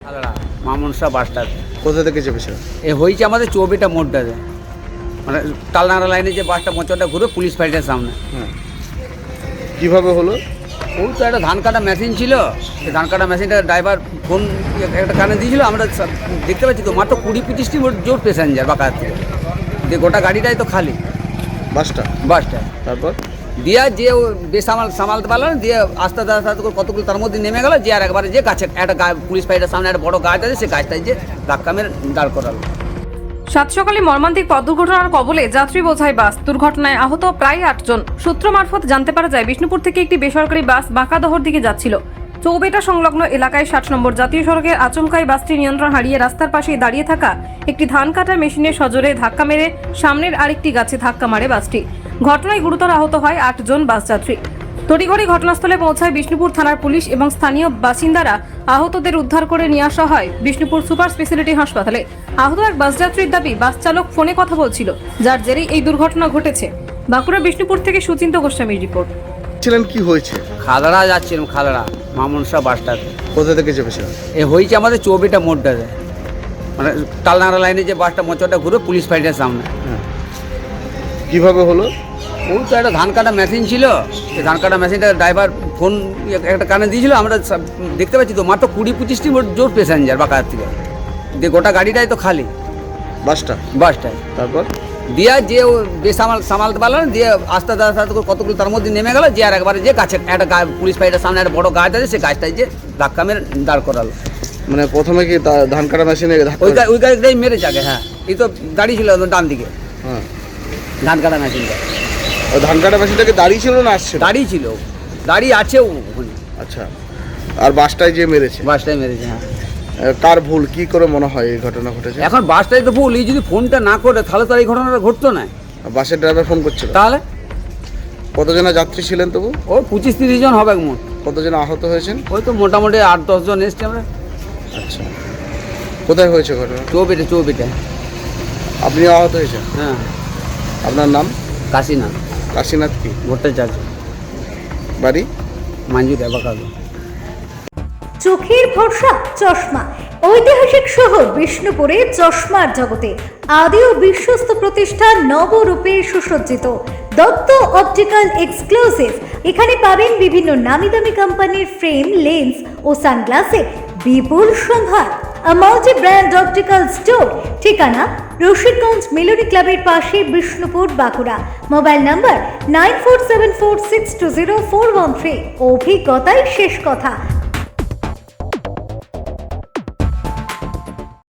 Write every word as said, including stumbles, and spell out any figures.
মামনসা বাসটা কোথা থেকে চেপেছিল? এ হয়েছে আমাদের চৌবিটা মোড়টাতে, মানে তালনাড়া লাইনে যে বাসটা মোচরটা ঘুরে পুলিশ ফাইটের সামনে। হ্যাঁ, কীভাবে হলো? ওই তো একটা ধান কাটা মেশিন ছিল, সেই ধান কাটা মেশিনটা ড্রাইভার ফোন একটা কানে দিয়েছিল, আমরা সব দেখতে পাচ্ছি তো মাত্র কুড়ি পঁচিশটি জোর প্যাসেঞ্জার বাঁকার থেকে, যে গোটা গাড়িটাই তো খালি বাসটা বাসটা তারপর দিয়া যে ও বেসামাল সামালতে পারলো না, দিয়ে আস্তে আস্তে আস্তে আস্তে করে কতগুলো তার মধ্যে নেমে গেল, যে আর একবারে যে গাছে একটা গা পুলিশ ফাইটের সামনে একটা বড় গাছ আছে, সেই গাছটাই যে ধাক্কা মেরে দাঁড় করালো। সাত সকালে মর্মান্তিক পথ দুর্ঘটনার কবলে যাত্রী বোঝাই বাস। দুর্ঘটনায় আহত প্রায় আটজন। সূত্র মারফত জানতে পারা যায়, বিষ্ণুপুর থেকে একটি বেসরকারি বাস বাঁকাদহর দিকে যাচ্ছিল। চৌবেটা সংলগ্ন এলাকায় ষাট নম্বর জাতীয় সড়কের আচমকায় বাসটি নিয়ন্ত্রণ হারিয়ে রাস্তার পাশে দাঁড়িয়ে থাকা একটি ধান কাটার মেশিনের সজোরে ধাক্কা মেরে সামনের আরেকটি গাছে ধাক্কা মারে বাসটি। ঘটনায় গুরুতর আহত হয় আটজন বাস যাত্রী। তড়িঘড়ি ঘটনাস্থলে পৌঁছায় বিষ্ণুপুর থানার পুলিশ এবং স্থানীয় বাসিন্দারা। আহতদের উদ্ধার করে নিয়ে আসা হয় বিষ্ণুপুর সুপার স্পেশালিটি হাসপাতালে। আহত এক বাস যাত্রীর দাবি, বাস চালক ফোনে কথা বলছিল, যার জেরেই এই দুর্ঘটনা ঘটেছে। বাঁকুড়া বিষ্ণুপুর থেকে সুচিন্ত গোস্বামীর রিপোর্ট। ছিলেন কি হয়েছে? খাদড়া যাচ্ছিলাম, খাদড়া মামনসা বাসটাতে। কোথা থেকে চেপেছিল? এ হয়েছে আমাদের চৌবিটা মোড়টাতে, মানে তালনাড়া লাইনে যে বাসটা মোচরটা ঘুরে পুলিশ ফাইটের সামনে। হ্যাঁ, কীভাবে হলো? ওই তো একটা ধান কাটা মেশিন ছিল, সেই ধান কাটা মেশিনটা ড্রাইভার ফোন একটা কানে দিয়েছিল, আমরা সব দেখতে পাচ্ছি তো মাত্র কুড়ি পঁচিশটি জোর প্যাসেঞ্জার বাঁকার থেকে, যে গোটা গাড়িটাই তো খালি বাসটা বাসটাই। তারপর দিয়া যে ও বেসামাল সামালতে পারলো না, দিয়ে আস্তে আস্তে আস্তে আস্তে করে কতগুলো তার মধ্যে নেমে গেল, যে আর একবারে যে গাছে একটা গা পুলিশ ফাইটের সামনে একটা বড় গাছ আছে, সেই গাছটাই যে ধাক্কা মেরে দাঁড় করালো। মানে প্রথমে কি তা- ধান কাটা মেশিনে ধাক্কা- ওই গা- ওই গাড়িটাই মেরেছে আগে। হ্যাঁ, এই তো দাঁড়িয়ে ছিল ডান দিকে হ্যাঁ, ধান কাটা মেশিনটা, ওই ধান কাটা মেশিনটাকে দাঁড়িয়ে ছিল না আসছে? দাঁড়িয়ে ছিল, দাঁড়িয়ে আছে ওখানে। আচ্ছা, আর বাসটাই যে মেরেছে? বাসটাই মেরেছে। হ্যাঁ, আহ, কার ভুল কি করে মনে হয় এই ঘটনা ঘটেছে? এখন বাসটাই তো ভুল, এই যদি ফোনটা না করে তাহলে তো আর এই ঘটনাটা ঘটতো না। বাসের ড্রাইভার ফোন করছিল? তাহলে কতজনা যাত্রী ছিলেন তবু? ওই পঁচিশ তিরিশ জন হবে মোট। কতজন আহত হয়েছেন? ওই তো মোটামুটি আট দশ জন এসছি আমরা। আচ্ছা, কোথায় হয়েছে ঘটনা? চৌবিটে চৌবিটে আপনি আহত হয়েছেন? হ্যাঁ, আপনার নাম? কাশীনাথ কাশীনাথ কি ভট্টাচার্য, বাড়ি? মাঞ্জু দেবাকাগো। চোখের ভরসা চশমা। ঐতিহাসিক শহর বিষ্ণুপুরে চশমার জগতে আদি ও বিশ্বস্ত প্রতিষ্ঠান নবরূপে সুসজ্জিত দত্ত অপটিক্যাল এক্সক্লুসিভ। এখানে পাবেন বিভিন্ন নামি দামি কোম্পানির ফ্রেম, লেন্স ও সানগ্লাসে বিপুল সম্ভার। A multi brand optical store, ঠিকানা রশিদগঞ্জ মেলোডি ক্লাবের পাশে, Bishnupur, Bankura. Mobile number nine four seven four six two zero four one three. অভিজ্ঞতাই শেষ কথা।